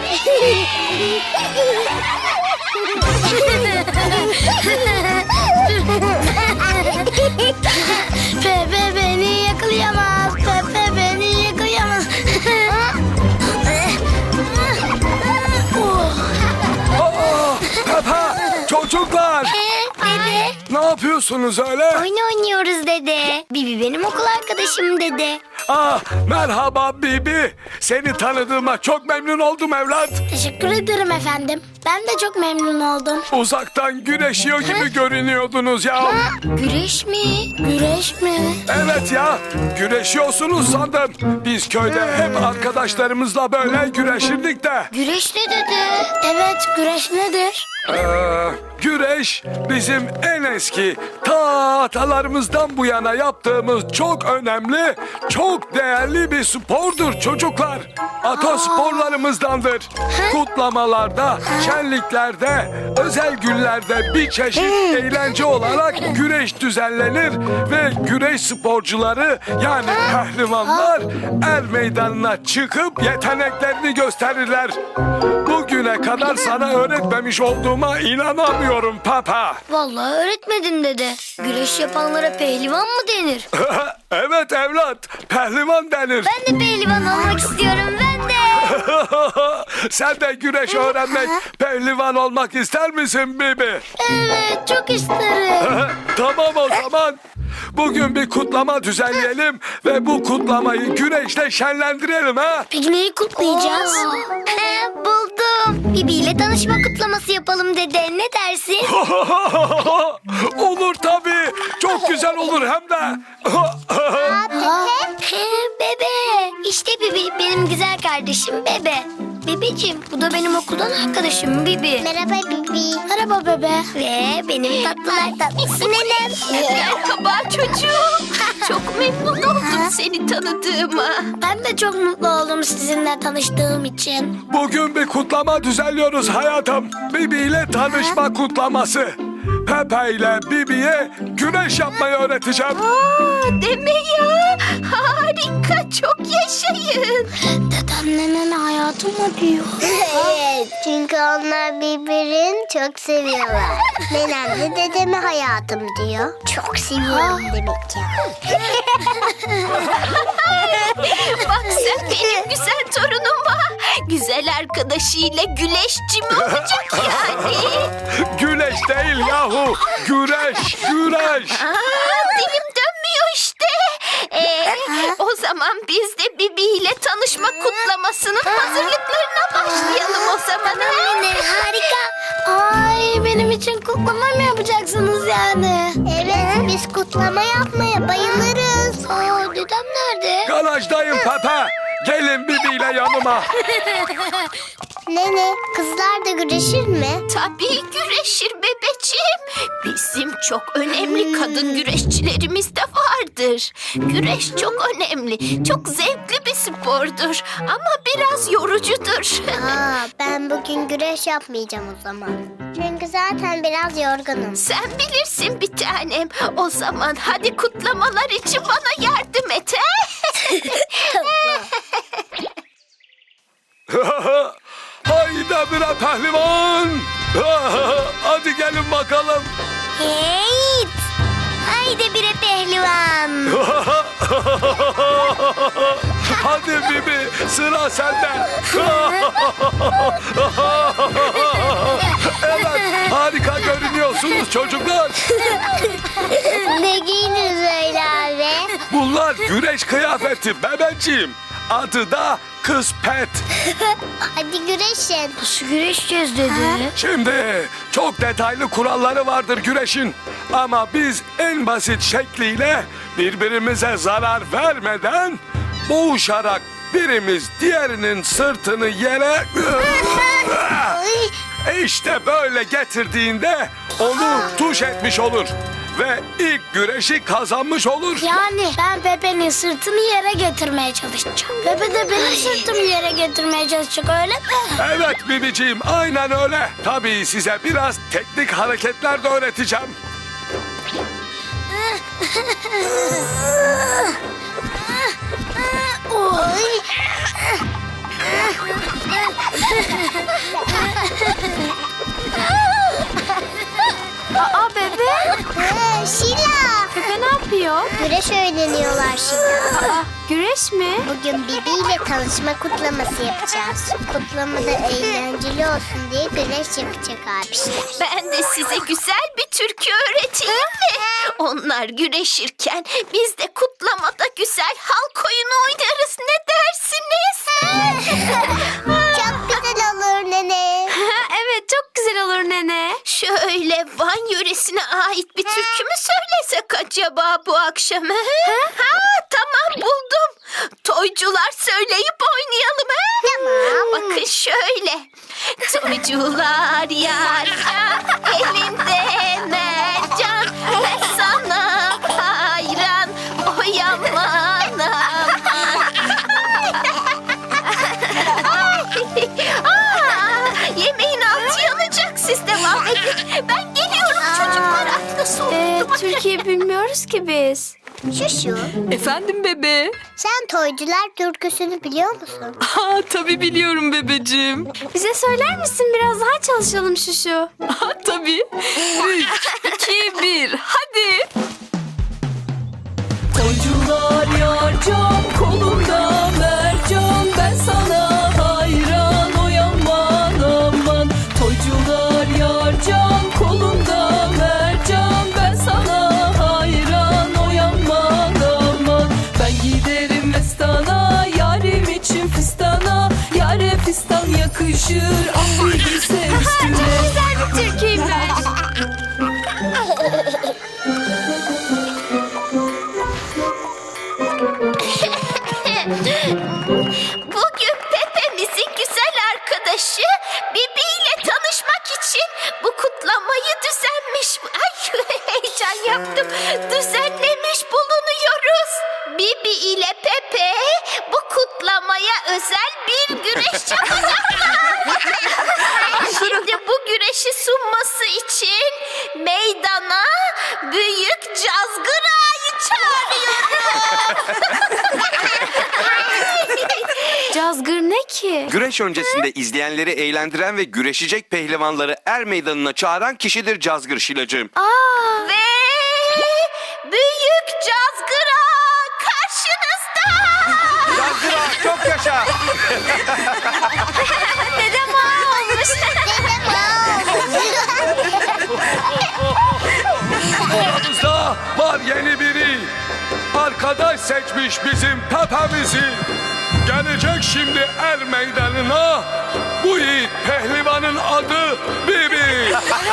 Pepe beni yakalayamaz. Pepe beni yakalayamaz. Pepe, çocuklar. Dede. Ne yapıyorsunuz öyle? Oyun oynuyoruz dede. Bibi benim okul arkadaşım dede. Merhaba Bibi. Seni tanıdığıma çok memnun oldum evlat. Teşekkür ederim efendim. Ben de çok memnun oldum. Uzaktan güreşiyor gibi görünüyordunuz ya. Güreş mi? Güreş mi? Evet ya, güreşiyorsunuz sandım. Biz köyde hep arkadaşlarımızla böyle güreşirdik de. Güreş ne dede? Evet, güreş nedir? Güreş bizim en eski atalarımızdan bu yana yaptığımız çok önemli, çok değerli bir spordur çocuklar. Atasporlarımızdandır. Kutlamalarda, şenliklerde, özel günlerde bir çeşit eğlence olarak güreş düzenlenir ve güreş sporcuları yani pehlivanlar er meydanına çıkıp yeteneklerini gösterirler. Bugüne kadar sana öğretmemiş olduğuma inanamıyorum Papa. Vallahi öğretmedin dede. Güreş yapanlara pehlivan mı denir? Evet evlat, pehlivan denir. Ben de pehlivan olmak istiyorum, ben de. Sen de güreş öğrenmek, pehlivan olmak ister misin Bibi? Evet, çok isterim. Tamam o zaman. Bugün bir kutlama düzenleyelim ve bu kutlamayı güreşle şenlendirelim ha. Peki neyi kutlayacağız? Buldum. Bibi ile tanışma kutlaması yapalım dede. Ne dersin? Olur tabii. Çok güzel olur hem de. Bebe. İşte Bibi, benim güzel kardeşim Bebe. Bebeciğim, bu da benim okuldan arkadaşım Bibi. Merhaba Bibi. Merhaba bebe. Ve benim tatlılar tatlısı nenem. Merhaba çocuğum. Çok memnun oldum seni tanıdığıma. Ben de çok mutlu oldum sizinle tanıştığım için. Bugün bir kutlama düzenliyoruz hayatım. Bibi ile tanışma kutlaması. Pepe ile Bibi'ye güreş yapmayı öğreteceğim. Deme ya. Harika, çok yaşayın. Dedem nenene hayatım mı diyor? Evet, çünkü onlar birbirini çok seviyorlar. Nenem de dedeme hayatım diyor. Çok seviyorum demek ya. Bak sen benim güzel torunuma. Güzel arkadaşıyla güleşçi mi olacak yani? Güreş değil yahu. Güreş, güreş. Dilim dönmüyor işte. O zaman biz de Bibi ile tanışma kutlamasının hazırlıklarına başlayalım o zaman. Anne harika. Ay benim için kutlama mı yapacaksınız yani? Evet, biz kutlama yapmaya bayılırız. Aa dedem nerede? Garajdayım Pepe. Gelin Bibi ile yanıma. Nene, kızlar da güreşir mi? Tabii güreşir bebeciğim. Bizim çok önemli kadın güreşçilerimiz de vardır. Güreş çok önemli, çok zevkli bir spordur ama biraz yorucudur. Ben bugün güreş yapmayacağım o zaman. Çünkü zaten biraz yorgunum. Sen bilirsin bir tanem. O zaman hadi kutlamalar için bana yardım et. Haydi bire pehlivan. Hadi gelin bakalım. Hey! Haydi bire pehlivan. Hadi Bibi, sıra sende. Evet, harika görünüyorsunuz çocuklar. Ne giyiniz öyle abi? Bunlar güreş kıyafeti bebeciğim. Adı da kıspet. Hadi güreşin. Nasıl güreşeceğiz dedi? Şimdi çok detaylı kuralları vardır güreşin. Ama biz en basit şekliyle birbirimize zarar vermeden boğuşarak birimiz diğerinin sırtını yere işte böyle getirdiğinde onu tuş etmiş olur. Ve ilk güreşi kazanmış olur. Yani ben Pepe'nin sırtını yere getirmeye çalışacağım. Pepe de benim sırtımı yere getirmeye çalışacak, öyle mi? Evet Bibiciğim, aynen öyle. Tabii size biraz teknik hareketler de öğreteceğim. Aa bebe. Şila. Bebe ne yapıyor? Güreş öğreniyorlar Şila. Aa, güreş mi? Bugün Bibi ile tanışma kutlaması yapacağız. Kutlamada eğlenceli olsun diye güreş yapacak abişler. Ben de size güzel bir türkü öğreteyim mi? Onlar güreşirken biz de kutlamada güzel halk oyunu oynarız. Ne dersiniz? Çok güzel olur nene. Evet çok güzel olur nene. Şöyle Van yöresine ait bir türkü mü söylesek acaba bu akşam? Ha, tamam buldum. Toycular söyleyip oynayalım. Tamam. Bakın şöyle. Toycular yarcan, elinde mercan. Ben sana hayran, oy aman aman. Yemeğin altı yanacak, siz devam edin. Ben geliyorum çocuklar. Ay, nasıl oldu? Türkiye bilmiyoruz ki biz. Şuşu, Efendim bebe? sen Toycular türküsünü biliyor musun? Aa, tabii biliyorum bebeciğim. Bize söyler misin biraz daha çalışalım Şuşu? Aa, tabii. 3, 2, 1 hadi. Toycular yarcan kolunda mercan ben sana hayran oy aman aman. Toycular yarcan kolunda mercan ben sana hayran oy aman aman. Ben giderim mestana yarim için fistana yare fistan yakışır ah bir bilse üstüne. Güzel bir türküymüş. Bugün Pepe'mizin güzel arkadaşı Bibi ile tanışmak için bu kutlamayı düzenmiş. Ay heyecan yaptım. Düzenlemiş bulunuyoruz. Bibi ile Pepe bu kutlamaya özel bir güreş yapacaklar. Şimdi bu güreşi sunması için meydana büyük Cazgır Ağa'yı çağırıyorum. Cazgır ne ki? Güreş öncesinde izleyenleri eğlendiren ve güreşecek pehlivanları er meydanına çağıran kişidir Cazgır Şilacığım. Aa, Ve büyük Cazgır Ağa karşınızda. Cazgır Ağa çok yaşa! dedem ağa olmuş. Aramızda var yeni biri. Arkadaş seçmiş bizim Pepe'mizi. Gelecek şimdi er meydanına. Bu yiğit pehlivanın adı Bibi.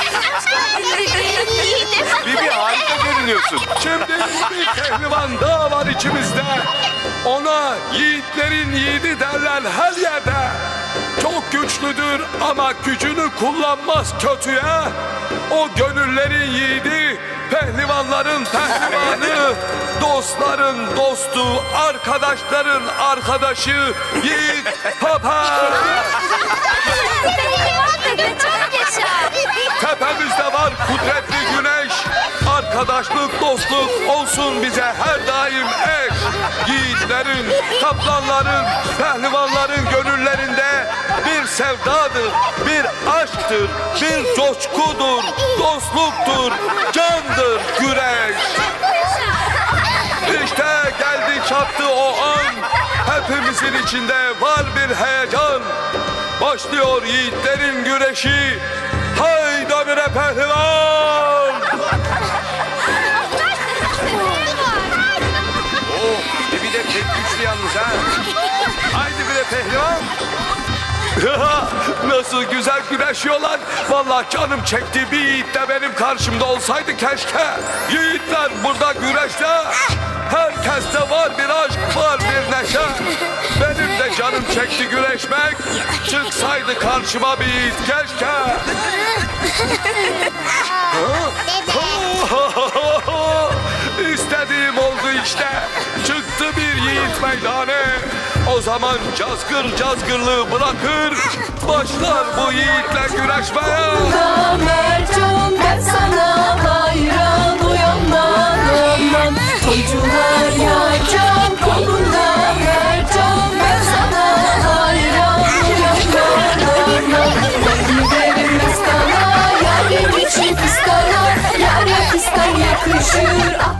Bibi harika görünüyorsun. Şimdi bir pehlivan daha var içimizde. Ona yiğitlerin yiğidi derler her yerde. Çok güçlüdür ama gücünü kullanmaz kötüye. O gönüllerin yiğidi, pehlivanların pehlivanı, dostların dostu, arkadaşların arkadaşı Yiğit Pepe. Çok yaşa. Tepemizde var kudretli güneş. Arkadaşlık, dostluk olsun bize her daim eş. Yiğitlerin, kaplanların, pehlivanların gönüllerinde bir sevdadır, bir aşktır, bir coşkudur, dostluktur, candır güreş. İşte geldi çattı o an. Hepimizin içinde var bir heyecan. Başlıyor yiğitlerin güreşi. Hayda bire pehlivan! Oh, Bibi de pek güçlü yalnız ha. Haydi bire pehlivan. Nasıl güzel güreşiyorlar. Vallahi canım çekti bir yiğit de benim karşımda olsaydı keşke. Yiğitler burada güreşte. Herkeste var bir aşk, var bir neşe. Benim de canım çekti güreşmek. Çıksaydı karşıma bir yiğit keşke. İstediğim oldu işte. Çıktı bir yiğit meydane. O zaman cazgır cazgırlığı bırakır. Başlar bu yiğitle güreşmeye. Mercan ben sana hayran uyanman aman. Toycular yarcan kolunda mercan ben sana hayran. yakışır. Ah.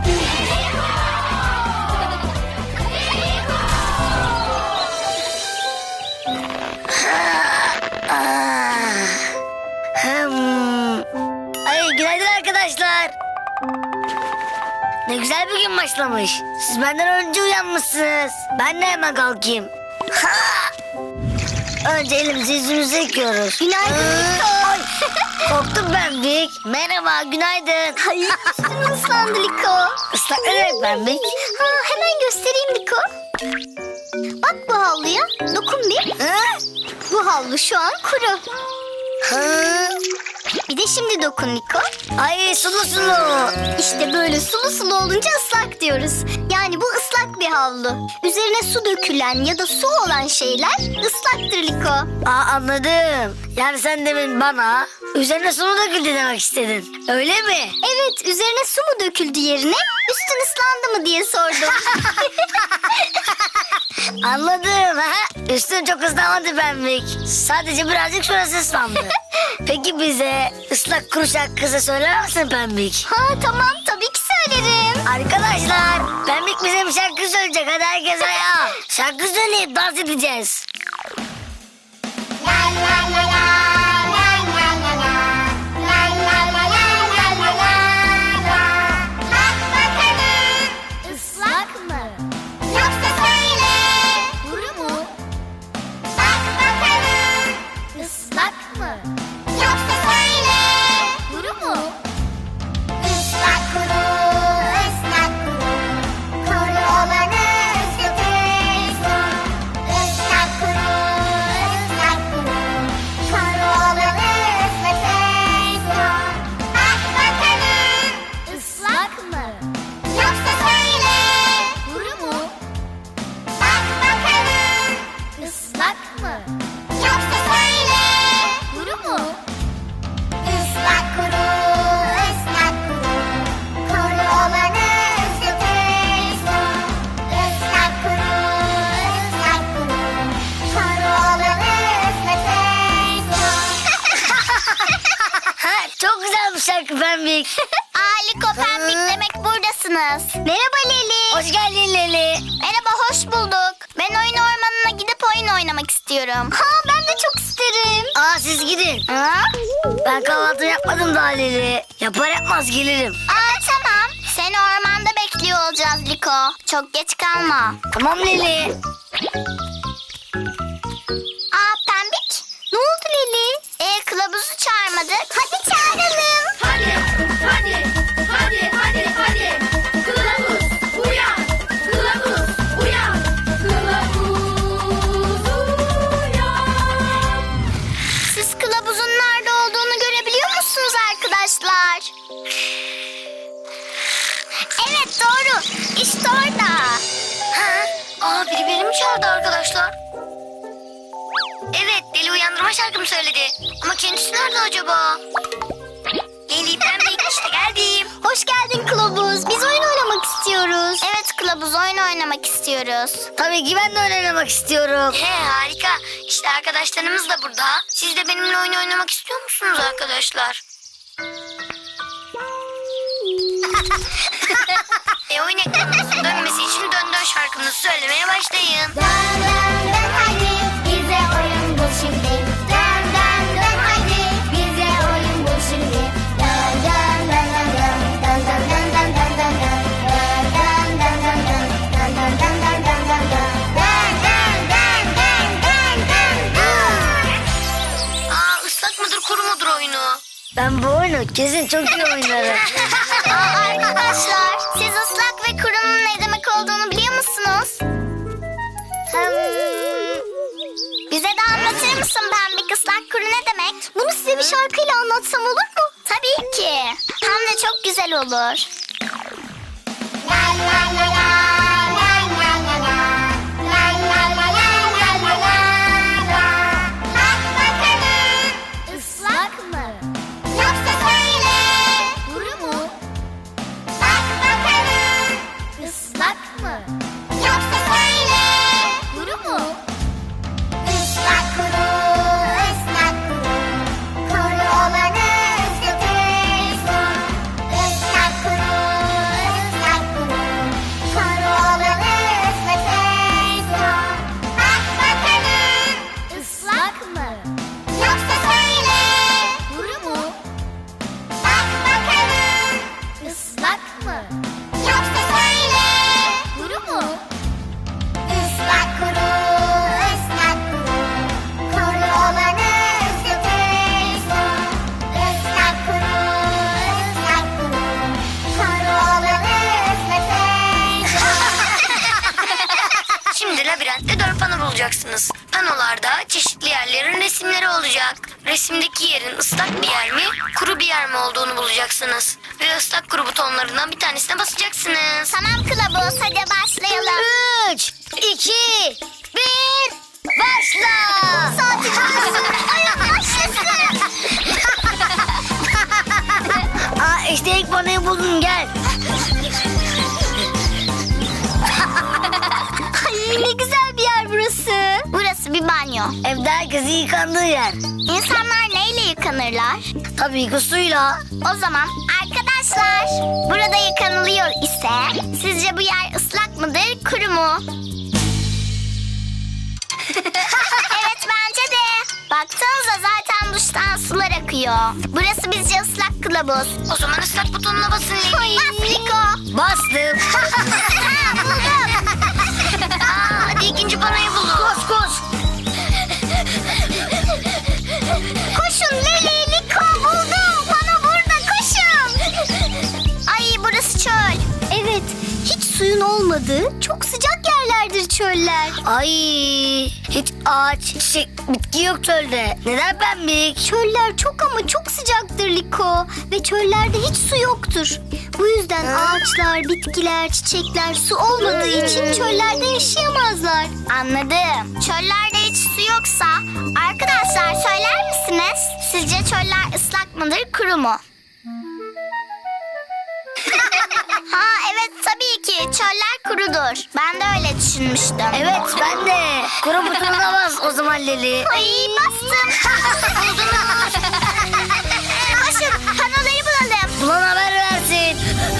Ay günaydın arkadaşlar. Ne güzel bir gün başlamış. Siz benden önce uyanmışsınız. Ben de hemen kalkayım. Ha! Önce elimizi yüzümüzü yıkıyoruz. Günaydın. Ay, korktum ben Bik. Merhaba günaydın. Hayır, üstün ıslandı Liko. Islak ne demek ben Bik? Ha, hemen göstereyim Liko. Bak bu havluya. Dokun bir. Ha? Bu havlu şu an kuru. Ha? Bir de şimdi dokun Liko. Ay sulu sulu. İşte böyle sulu sulu olunca ıslak diyoruz. Yani bu ıslak bir havlu. Üzerine su dökülen ya da su olan şeyler ıslaktır Liko. Aa anladım. Yani sen demin bana üzerine sulu döküldü demek istedin. Öyle mi? Evet, üzerine su mu döküldü yerine üstün ıslandı mı diye sordum. Anladım. Ha? Üstün çok ıslanmadı Pembik. Sadece birazcık şurası ıslandı. Peki bize ıslak kuru şarkısı söyler misin Pembik? Ha tamam, tabii ki söylerim. Arkadaşlar Pembik bize bir şarkı söyleyecek. Hadi herkes ayağa. Şarkı söyleyip dans edeceğiz. Islak mı? Yoksa söyle. Kuru mu? Bak bakalım. Islak mı? Yoksa söyle. Kuru mu? Islak kuru, ıslak kuru. Kuru olanı ıslatırsın. Islak kuru, ıslak kuru. Kuru olanı ıslatırsın. Bak bakalım. Islak mı? Yoksa söyle. Kuru mu? Bak bakalım. Islak mı? Yoksa söyle. Kuru mu? Islak kuru, ıslak kuru. Kuru olanı ıslatırsın. Islak kuru, ıslak kuru. Kuru olanı ıslatırsın. Ha, çok güzel bir şarkı Pembik. Liko Pembik demek buradasınız. Merhaba Leli. Hoş geldin Leli. Merhaba, hoş bulduk. Ben oyun ormanına gidip oyun oynamak istiyorum. Ha, ben de çok isterim. Aa siz gidin. Ha? Ben kahvaltı yapmadım daha Leli. Yapar yapmaz gelirim. Tamam. Seni ormanda bekliyor olacağız Liko. Çok geç kalma. Tamam Leli. Pembik. Ne oldu Leli? Kılavuzu çağırmadık. Hadi çağıralım. Hadi, hadi, hadi, hadi, hadi. Kılavuz uyan, kılavuz uyan, kılavuz uyan. Siz kılavuzun nerede olduğunu görebiliyor musunuz arkadaşlar? Evet, doğru. İşte orada. Biri beni mi çağırdı arkadaşlar? Evet, Deli uyandırma şarkımı söyledi. Ama kendisi nerede acaba? Leli Pembik işte geldim. Hoş geldin Kılavuz. Biz oyun oynamak istiyoruz. Evet Kılavuz, oyun oynamak istiyoruz. Tabii ki ben de oynamak istiyorum. Harika. İşte arkadaşlarımız da burada. Siz de benimle oyun oynamak istiyor musunuz arkadaşlar? Oyun ekranımızın dönmesi için dön dön şarkımızı söylemeye başlayın. Dön dön dön hadi, bize oyun bul şimdi. Dön dön dön hadi, bize oyun bul şimdi. Dön dön dön dön dön, dön dön dön dön dön dön dön. Dön dön dön dön dön, dön dön dön dön dön dön dön. Dön dön dön dön dön dön dön. Islak mıdır kuru mudur oyunu? Ben bu oyunu kesin çok iyi oynarım. Arkadaşlar, siz ıslak ve kurunun ne demek olduğunu biliyor musunuz? Bize de anlatır mısın Pembik, ıslak kuru ne demek? Bunu size bir şarkıyla anlatsam olur mu? Tabii ki. Hem de çok güzel olur. La la la la, la la la la, la la la la, la la la la. Bak bakalım, ıslak mı? Yoksa söyle, kuru mu? Bak bakalım, ıslak mı? Yoksa söyle, kuru mu? Islak kuru, ıslak kuru. Kuru olanı ıslatırsın. Islak kuru, resimdeki yerin ıslak bir yer mi, kuru bir yer mi olduğunu bulacaksınız. Ve ıslak kuru butonlarından bir tanesine basacaksınız. Tamam kılavuz, hadi başlayalım. 3, 2, 1, başla! Saati başlasın. Oyun başlasın. Aa, işte ilk panoyu buldum, gel. Ay, ne güzel bir yer burası. Burası bir banyo. Evde herkesin yıkandığı yer. İnsanlar neyle yıkanırlar? Tabii ki suyla. O zaman arkadaşlar, burada yıkanılıyor ise sizce bu yer ıslak mıdır, kuru mu? Evet, bence de. Baksanıza, zaten duştan sular akıyor. Burası bizce ıslak kılavuz. O zaman ıslak butonuna basın Leli. Bas Liko. Bastım. Ha, buldum. Aa, hadi ikinci panoyu bulun. Koş koş. Koşun Leli, Liko, buldum. Bana burada, koşun. Ay, burası çöl. Evet, hiç suyun olmadığı çok sıcak yerlerdir çöller. Ay, hiç ağaç, çiçek, bitki yok çölde. Neden pembik? Çöller çok ama çok sıcaktır Liko. Ve çöllerde hiç su yoktur. Bu yüzden ağaçlar, bitkiler, çiçekler su olmadığı için çöllerde yaşayamazlar. Anladım. Çöllerde hiç su yoksa arkadaşlar söyler misiniz? Sizce çöller ıslak mıdır, kuru mu? Ha evet, tabii ki çöller kurudur. Ben de öyle düşünmüştüm. Evet, ben de. Kuru butonuna bas o zaman Leli. Ay, bastım. Buldunuz. Koşun, panoları bulalım. Bulan haber versin.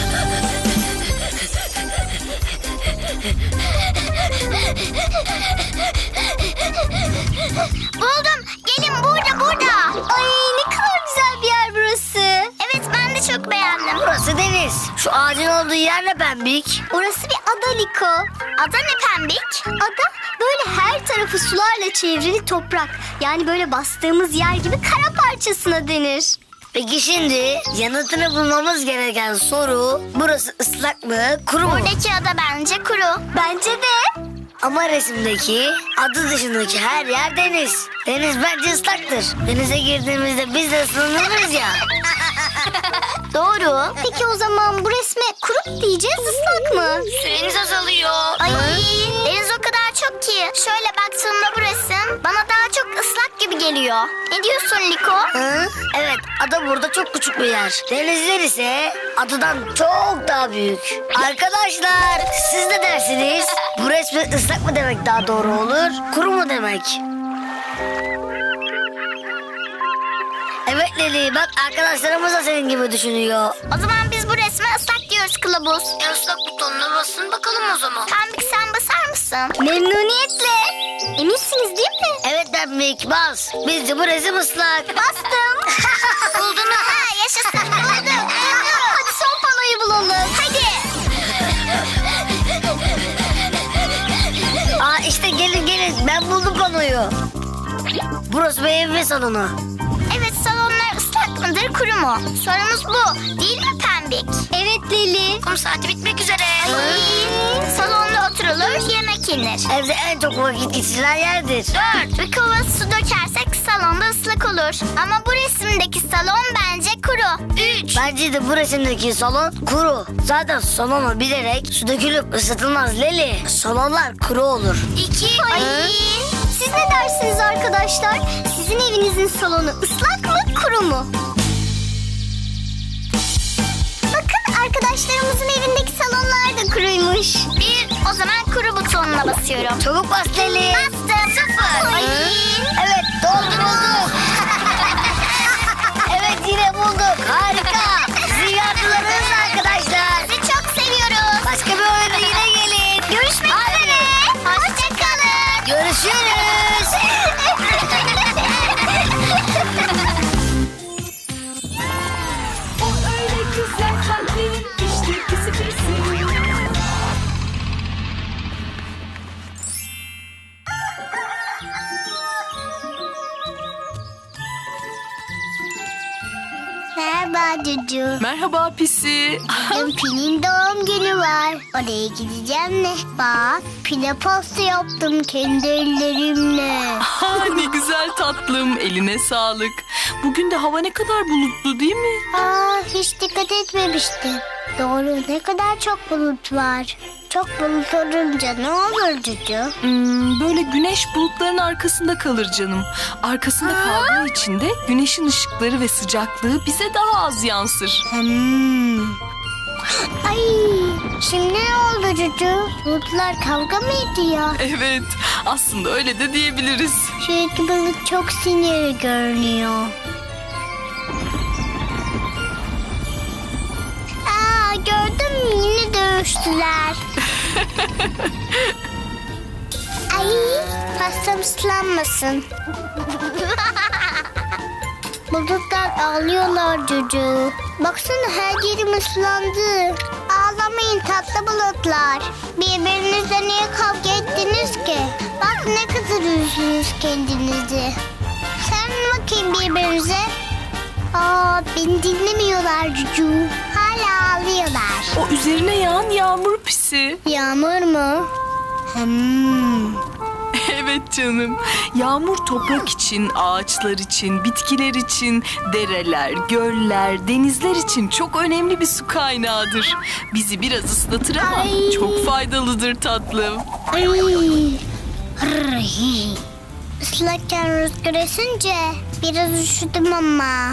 Buldum. Gelin, burada. Ay, ne kadar güzel bir yer burası. Evet, ben de çok beğendim. Burası deniz. Şu ağacın olduğu yer ne pembik? Orası bir ada Liko. Ada ne pembik? Ada böyle her tarafı sularla çevrili toprak. Yani böyle bastığımız yer gibi kara parçasına denir. Peki şimdi yanıtını bulmamız gereken soru, burası ıslak mı, kuru mu? Buradaki ada bence kuru. Bence de. Ama resimdeki adı dışındaki her yer deniz. Deniz bence ıslaktır. Denize girdiğimizde biz de ıslanırız ya. Doğru. Peki o zaman bu resme kuru mu diyeceğiz, ıslak mı? Süreniz azalıyor. Ay, deniz o kadar çok ki. Şöyle baktığımda bu resim bana daha çok ıslak gibi geliyor. Ne diyorsun Liko? Hı? Evet, ada burada çok küçük bir yer. Denizler ise adadan çok daha büyük. Arkadaşlar, siz ne dersiniz? Bu resme ıslak mı demek daha doğru olur, kuru mu demek? Evet Leli, bak arkadaşlarımız da senin gibi düşünüyor. O zaman biz bu resme ıslak diyoruz kılavuz. Islak butonuna basın bakalım o zaman. Pembik, sen basar mısın? Memnuniyetle. Eminsiniz değil mi? Evet Pembik, bas. Bizce bu resim ıslak. Bastım. Buldun mu? Ha, yaşasın. Buldum. Hadi son panoyu bulalım. Hadi. Aa, işte gelin, ben buldum konuyu. Burası bir ev ve salonu. Evet, salonlar ıslak mıdır, kuru mu? Sorumuz bu. Değil mi Pembik? Evet Leli. Kum saati bitmek üzere. Salonda oturulur, yemek yenir. Evde en çok vakit geçirilen yerdir. 4. Bir kova su dökersek salonda ıslak olur. Ama bu resimdeki salon bence kuru. 3. Bence de bu resimdeki salon kuru. Zaten salonu bilerek su dökülüp ısıtılmaz Leli. Salonlar kuru olur. 2. Ay. Siz ne dersiniz arkadaşlar? Sizin evinizin salonu ıslak mı, kuru mu? Bakın, arkadaşlarımızın evindeki salonlar da kuruymuş. 1. O zaman kuru butonuna basıyorum. Çabuk bas Leli. Bastım. 0. Ay. Evet, bulduk. Evet, yine bulduk. Harika. Sizi yardılarınız arkadaşlar. Sizi çok seviyoruz. Başka bir oyuna yine gelin. Görüşmek üzere. Hoşçakalın. Görüşürüz. O öyle güzel kalpli, işte pisi pisi. Merhaba Cucu. Merhaba Pisi. Bugün Pin'in doğum günü var. Oraya gideceğim de. Bak Pin'e pasta yaptım kendi ellerimle. Ne güzel tatlım. Eline sağlık. Bugün de hava ne kadar bulutlu değil mi? Hiç dikkat etmemiştim. Doğru, ne kadar çok bulut var. Çok bulut olunca ne olur Cucu? Böyle güneş bulutların arkasında kalır canım. Arkasında kaldığı için de güneşin ışıkları ve sıcaklığı bize daha az yansır. Ay, şimdi ne oldu Cucu? Bulutlar kavga mı ediyor? Evet, aslında öyle de diyebiliriz. Şu iki bulut çok sinirli görünüyor. Gördün mü? Yine dövüştüler. Ay, pastam ıslanmasın. Bulutlar ağlıyorlar Cucu. Baksana her yerim ıslandı. Ağlamayın tatlı bulutlar. Birbirinizle niye kavga ettiniz ki? Bak ne kadar üzdünüz kendinizi. Sen bakayım birbirinize. Beni dinlemiyorlar Cucu. Hala ağlıyorlar. O üzerine yağan yağmur Pisi. Yağmur mu? Evet canım. Yağmur toprak için, ağaçlar için, bitkiler için, dereler, göller, denizler için çok önemli bir su kaynağıdır. Bizi biraz ıslatır ama Ay. çok faydalıdır tatlım. Ay. Islakken rüzgar esince biraz üşüdüm ama.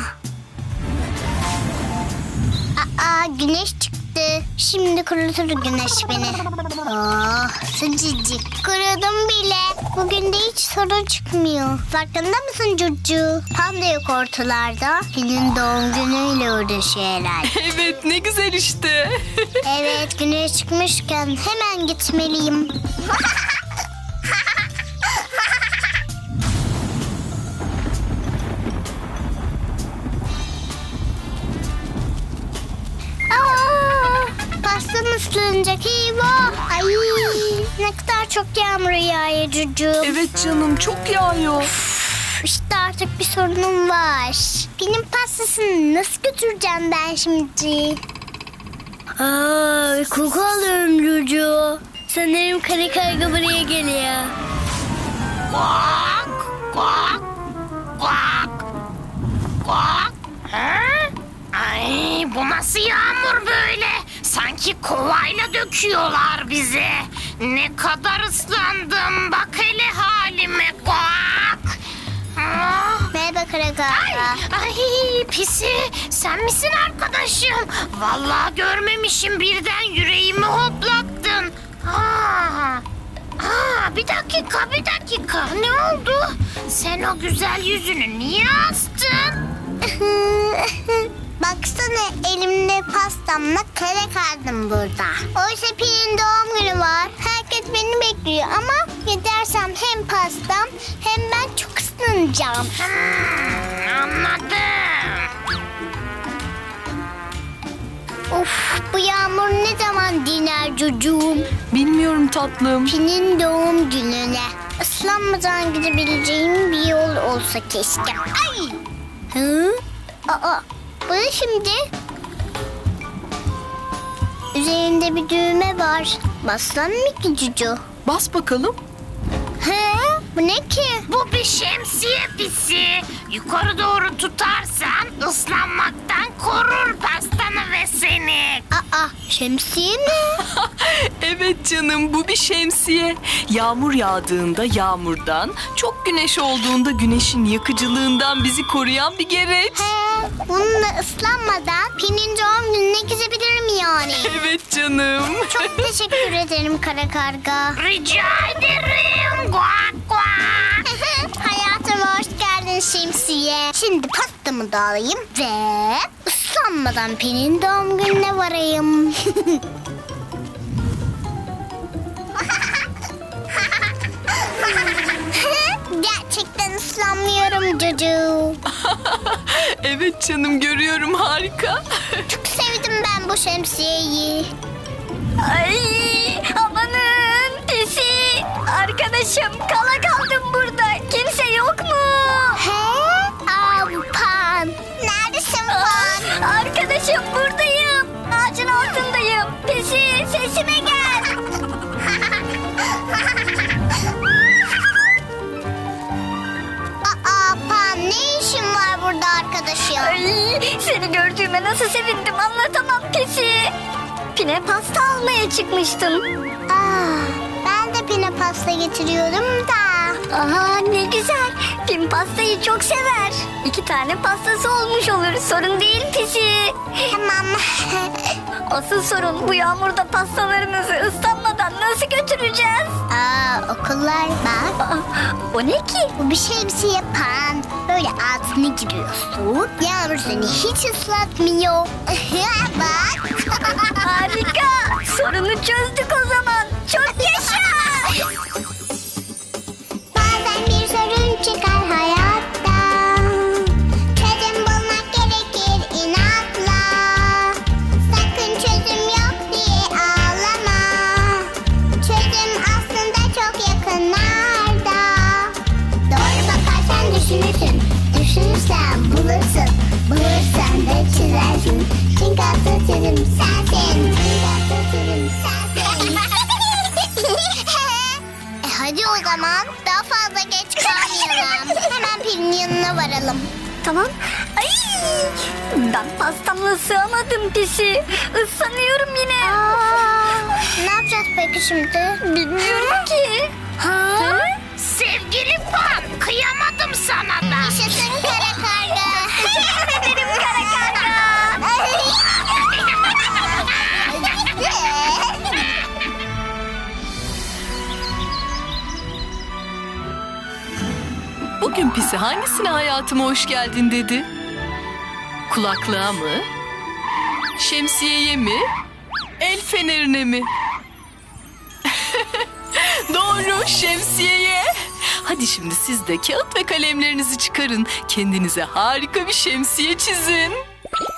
Güneş çıktı. Şimdi kurutur güneş beni. Sıcacık. Kurudum bile. Bugün de hiç sorun çıkmıyor. Farkında mısın Cucu? Tam da yok ortalarda. Senin doğum günüyle uğraşıyor herhalde. Evet, ne güzel işte. Evet, güneş çıkmışken hemen gitmeliyim. Pastam ıslanacak eyvah. Ay, ne kadar çok yağmur yağıyor Cucu. Evet canım, çok yağıyor. İşte artık bir sorunum var. Benim pastasını nasıl götüreceğim ben şimdi? Koku alıyorum Cucu. Sanırım kara karga buraya geliyor. Ay, bu nasıl yağmur böyle? Sanki kovayla döküyorlar bize. Ne kadar ıslandım. Bak hele halime. Kuak. Merhaba Karakarga. Ay Pisi, sen misin arkadaşım? Vallahi görmemişim, birden yüreğimi hoplattın. Bir dakika. Ne oldu? Sen o güzel yüzünü niye astın? Baksana elimde pastamla kare kaldım burada. Oysa Pin'in doğum günü var. Herkes beni bekliyor ama gidersem hem pastam hem ben çok ıslanacağım. Anladım. Of, bu yağmur ne zaman diner çocuğum? Bilmiyorum tatlım. Pin'in doğum gününe ıslanmadan gidebileceğim bir yol olsa keşke. Ay! Bu ne şimdi? Üzerinde bir düğme var. Baslan mı ki Cucu? Bas bakalım. Bu ne ki? Bu bir şemsiye Pisi. Yukarı doğru tutarsan ıslanmaktan korur pastanı ve seni. Şemsiye mi? Evet canım, bu bir şemsiye. Yağmur yağdığında yağmurdan, çok güneş olduğunda güneşin yakıcılığından bizi koruyan bir gereç. Bununla ıslanmadan Pin'in doğum gününe gidebilirim yani. Evet canım. Çok teşekkür ederim kara karga. Rica ederim. Guak guak. Hayatıma hoş geldin şemsiye. Şimdi pastamı da alayım ve ıslanmadan Pin'in doğum gününe varayım. Gerçekten ıslanmıyorum Cucu. Evet canım, görüyorum, harika. Çok sevdim ben bu şemsiyeyi. Ay amanın Pisi. Arkadaşım kala kaldım burada. Kimse yok mu? Pan. Neredesin Pan? da arkadaşım. Ay, seni gördüğüme nasıl sevindim anlatamam Pisi. Pine pasta almaya çıkmıştım. Ben de pine pasta getiriyorum da. Aha ne güzel. Pin pastayı çok sever. 2 tane pastası olmuş olur. Sorun değil Pisi. Tamam. Asıl sorun bu yağmurda pastalarımızı ıslanmadan nasıl götüreceğiz? Okullar bak. Aa, o ne ki? Bu bir şemsiye pan. Böyle altına giriyorsun. Yağmur seni hiç ıslatmıyor. Bak. Harika. Sorunu çözdük o zaman. Çok yaşa. Bazen bir sorun çıkar hayatta. Çözüm bulmak gerekir inatla. Sakın çözüm yok diye ağlama. Çözüm aslında çok yakınlarda. Doğru bakarsan düşünürsün. Düşünürsen bulursun. Bulursan da çözersin. Çünkü asıl çözüm sensin. Çünkü asıl çözüm sensin. Hadi o zaman daha fazla geç kalmayalım. Hemen Pelin'in yanına varalım. Tamam. Ay, ben pastamla sığamadım Pisi. Islanıyorum yine. Ne yapacağız peki şimdi? Bilmiyorum ki. Sevgili Pan, kıyamadım sana da. Yaşasın kara karga. Benim kara karga. Bugün Pisi hangisine hayatıma hoş geldin dedi? Kulaklığa mı? Şemsiyeye mi? El fenerine mi? Doğru, şemsiyeye. Hadi şimdi siz de kağıt ve kalemlerinizi çıkarın. Kendinize harika bir şemsiye çizin.